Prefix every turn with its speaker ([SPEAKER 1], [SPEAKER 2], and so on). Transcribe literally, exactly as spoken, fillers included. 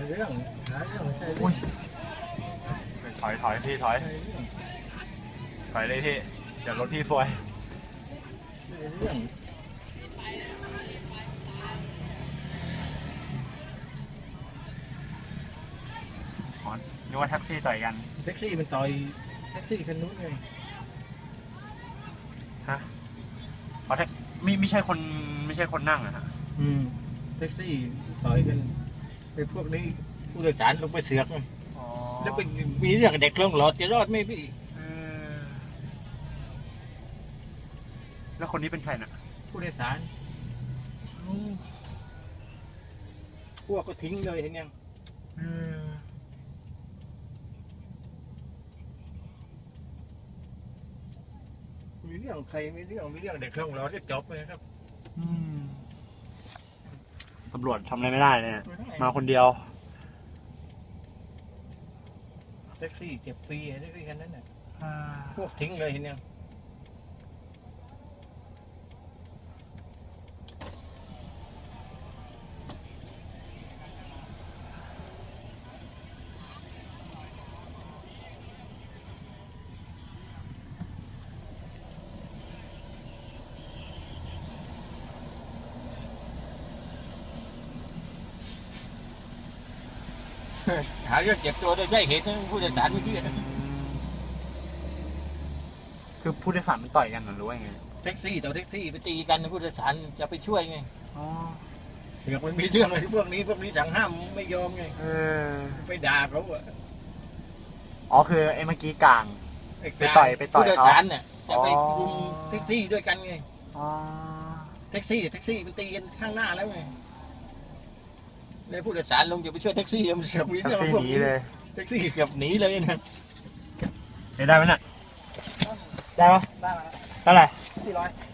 [SPEAKER 1] เรื่องหาเรื่องใช่
[SPEAKER 2] อุ้ยถอยถอยพี่ถอยถอยเลยพี่เดี๋ยวรถพี่ซวย
[SPEAKER 1] เรื่อง
[SPEAKER 2] อ๋อนึกว่าแท็กซี่ต่อยกัน
[SPEAKER 1] แท็กซี่มันต่อยแท็กซี่คันนู้นไง
[SPEAKER 2] ฮะอ๋อแท็กไม่ไม่ใช่คนไม่ใช่คนนั่งอะฮะ
[SPEAKER 1] อืมแท็กซี่ต่อยกันไอ้พวกนี้ผู้โดยสารลงไปเสือกไง
[SPEAKER 2] อ๋อ
[SPEAKER 1] แล้วไปมีเรื่องเด็กลงหลอดจะรอดไหมพี่
[SPEAKER 2] เออแล้วคนนี้เป็นใครน่ะ
[SPEAKER 1] ผู้โดยสารพวกก็ทิ้งเลยเห็นยัง
[SPEAKER 2] เออ
[SPEAKER 1] มีเรื่องใครมีเรื่องมีเรื่องเด็กลงหลอดจะจบเลยครับ
[SPEAKER 2] อืมตำรวจทำอะไรไม่ได้เนี่ยมาคนเดียว
[SPEAKER 1] แท็กซี่เจ็บฟรีแท็กซี่คันนั้นน่ะ
[SPEAKER 2] อ่า
[SPEAKER 1] พวกทิ้งเลยเห็นยัง หาเรื่องเจ็บตัวโดยใช่เหตุนะผู้โดยสารเมื่อกี้นะ
[SPEAKER 2] คือผู้โดยสารมันต่อยกันหรือว่าไง
[SPEAKER 1] แท็กซี่ต่อแท็กซี่ไปตีกันผู้โดยสารจะไปช่วยไง
[SPEAKER 2] อ๋อ
[SPEAKER 1] เสือกมันมีเรื่องอะไรพวกนี้พวกนี้สั่งห้ามไม่ยอมไง
[SPEAKER 2] เออ
[SPEAKER 1] ไปด่าเขาอะ
[SPEAKER 2] อ๋อคือไอ้เมื่อกี้กลาง
[SPEAKER 1] อ้
[SPEAKER 2] ไปต่อยไปต่อย
[SPEAKER 1] ผู้โดยสารเนี่ยจะไป
[SPEAKER 2] อ๋อ
[SPEAKER 1] รุมแท็กซี่ด้วยกันไง
[SPEAKER 2] อ๋อ
[SPEAKER 1] แท็กซี่แท็กซี่มันตีกันข้างหน้าแล้วไงเลยผู้โดยสารลงจะไปช่วยแท็กซี่มันเสือกมี
[SPEAKER 2] แท็ก
[SPEAKER 1] เรื่อง
[SPEAKER 2] ซี่
[SPEAKER 1] พวก
[SPEAKER 2] หนี
[SPEAKER 1] นี้
[SPEAKER 2] เลย
[SPEAKER 1] แท็กซี่เกือบหนีเลยนะ
[SPEAKER 2] ได้ไหมน่ะได้ปะ
[SPEAKER 3] ได้มา
[SPEAKER 2] เท่าไหร่
[SPEAKER 3] สี่ร้อย